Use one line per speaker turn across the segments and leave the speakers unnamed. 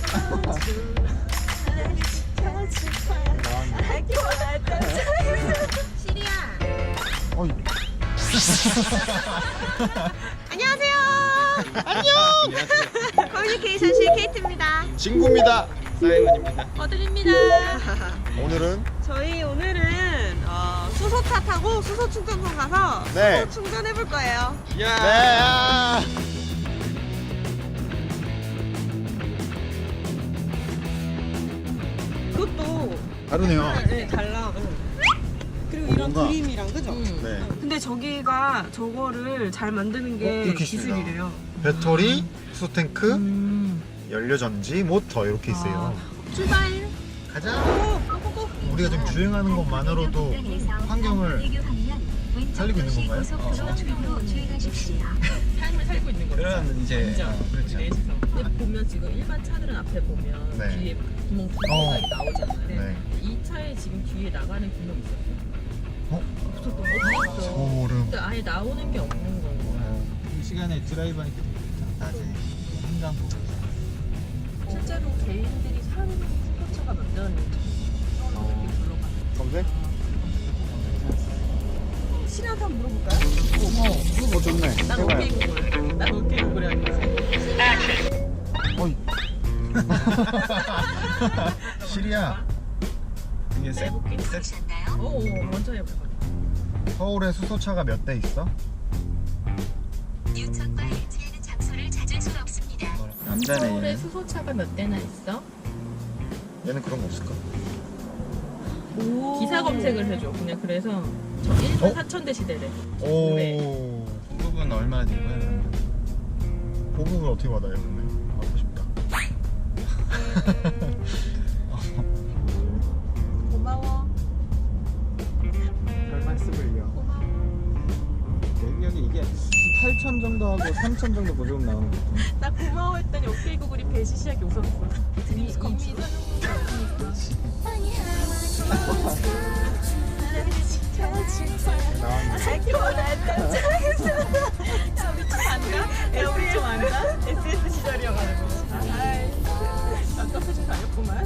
시리야.
어이.
안녕하세요. 안녕. 커뮤니케이션실 케이트입니다.
친구입니다.
사이먼입니다.
어들입니다.
오늘은
저희 오늘은 수소차 타고 수소 충전소 가서
네.
수소 충전해 볼 거예요.
야.
네.
그것도
다르네요.
네, 달라. 그리고 이런
뭔가-
그림이랑 그죠?
네.
근데 저기가 저거를 잘 만드는 게
이렇게 있습니다.
기술이래요.
배터리, 수소 탱크, 연료 전지, 모터 이렇게 있어요.
출발.
가자.
고고고.
우리가 지금 주행하는 것만으로도 환경을 살리고 있는 건가요?
삶을 살고 있는 거죠.
그런 이제 그렇죠.
근데 보면 지금 일반 차들은 앞에 보면
네.
뒤에 구멍 두 개가 나오잖아요.
네.
이 차에 지금 뒤에 나가는 구멍 있었어요.
어?
없었던 거 같죠.
소름.
근데 아예 나오는 게 없는 거예요.
이 시간에 드라이브하니까 되겠다. 낮에 한강 보고.
실제로 개인들이 사는 스포츠가 몇 대였는지 이렇게 불러가는.
검색?
신한테 한번 물어볼까요?
좋네.
난 오케이 구글. 난 오케이 구글이 아니라.
어이. 시리야,
이게 세
오, 먼저 해볼까?
서울에 수소차가 몇 대 있어?
뉴턴과 일치하는 장소를 찾을 수가 없습니다.
남자네.
서울에 수소차가 몇 대나 있어?
얘는 그런 거 없을까?
기사 검색을 해줘. 그냥 그래서 저 1만
어?
4천 대 시대래.
오.
부분 얼마 되고요?
보급을 어떻게 받아요, 근데? 받고 싶다.
고마워.
별 말씀을요. 능력이 이게 8천 정도 하고 3천 정도 보조금 나오는 거 같은데.
나 고마워했더니 오케이 구글이 배시시하게 웃었어. 이미 사용료가 야, 우리 좀 안다? SS 시절이어가지고. 아이, 아깝게 좀 다녔구만.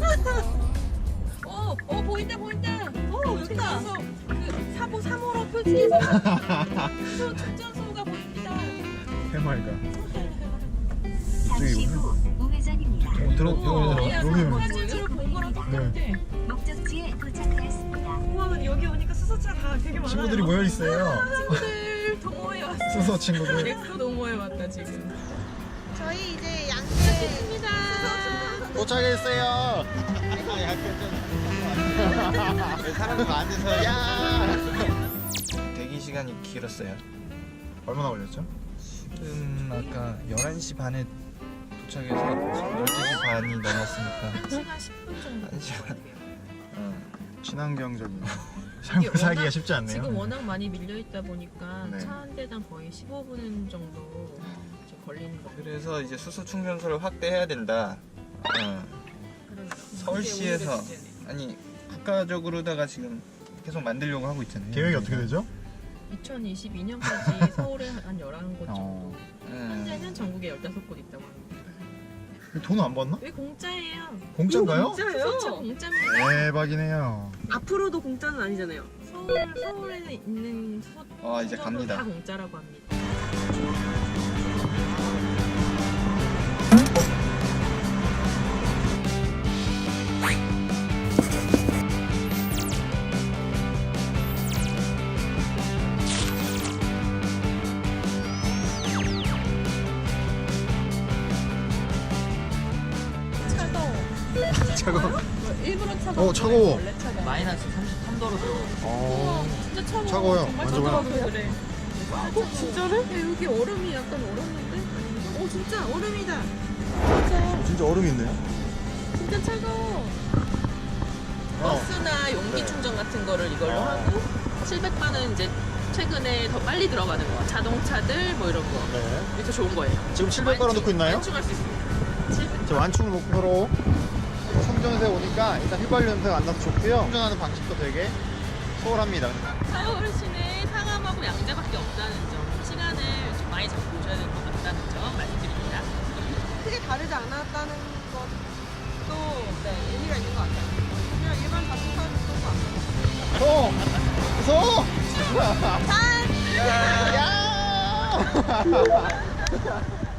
보인다, 보인다. 여기다. 그 사보 3호로 표지에서 수소 충전소가 보입니다.
해맑아.
잠시 후 우회전입니다.
여기는.
사진으로 본 거랑 똑같아.
목적지에 도착하였습니다.
우와, 여기 오니까 수소차가 되게 많아요.
친구들이 모여 있어요.
친구들 동호회 왔어.
수소 친구들.
엑소 동호회 왔다 지금. 저희 이제 양재입니다.
도착했어요.
사람들 앉아서
야.
대기 시간이 길었어요.
얼마나 걸렸죠?
지금 아까 11시 반에 도착해서 12시 반이 넘었으니까
1시간 10분 정도.
1시간.
친환경적인 삶을 살기가 쉽지 않네요.
지금 워낙 많이 밀려 있다 보니까
네.
차 한 대당 거의 15분 정도 좀 걸리는 거.
그래서 이제 수소 충전소를 확대해야 된다. 서울시에서 아니 국가적으로다가 지금 계속 만들려고 하고 있잖아요.
계획이 어떻게 되죠?
2022년까지 서울에 한 11곳 정도. 현재는 전국에 15곳 있다고 합니다.
돈 안 받나?
왜 공짜예요?
공짜인가요?
공짜예요? 공짜입니다.
대박이네요.
앞으로도 공짜는 아니잖아요. 서울에 있는 수소
이제 갑니다.
다 공짜라고 합니다.
차가워.
일부러 차가워.
차가워.
원래 차가워. 마이너스 33도로. 진짜 차가워.
차가워요.
정말
만져봐요.
차가워. 그래. 진짜로? 야, 여기 얼음이 약간 얼었는데? 진짜 얼음이다. 진짜.
진짜 얼음이 있네요.
진짜 차가워. 버스나 용기 충전 같은 거를 이걸로 하고 700만은 이제 최근에 더 빨리 들어가는 거. 자동차들 뭐 이런 거.
네.
이게 더 좋은 거예요.
지금 700바로 넣고 있나요?
완충할 수 있습니다. 700.
저 완충을 목표로 충전소에 오니까 일단 휘발유 냄새가 안 나서 좋고요. 충전하는 방식도 되게 소홀합니다.
서울시내 상암하고 양재밖에 없다는 점, 시간을 좀 많이 잡고 오셔야 될 것 같다는 점 말씀드립니다. 크게 다르지 않았다는 것 네, 의미가 있는 것 같아요. 그냥 일반 자동차 그런 거 안.
소! 소!
짠!
야!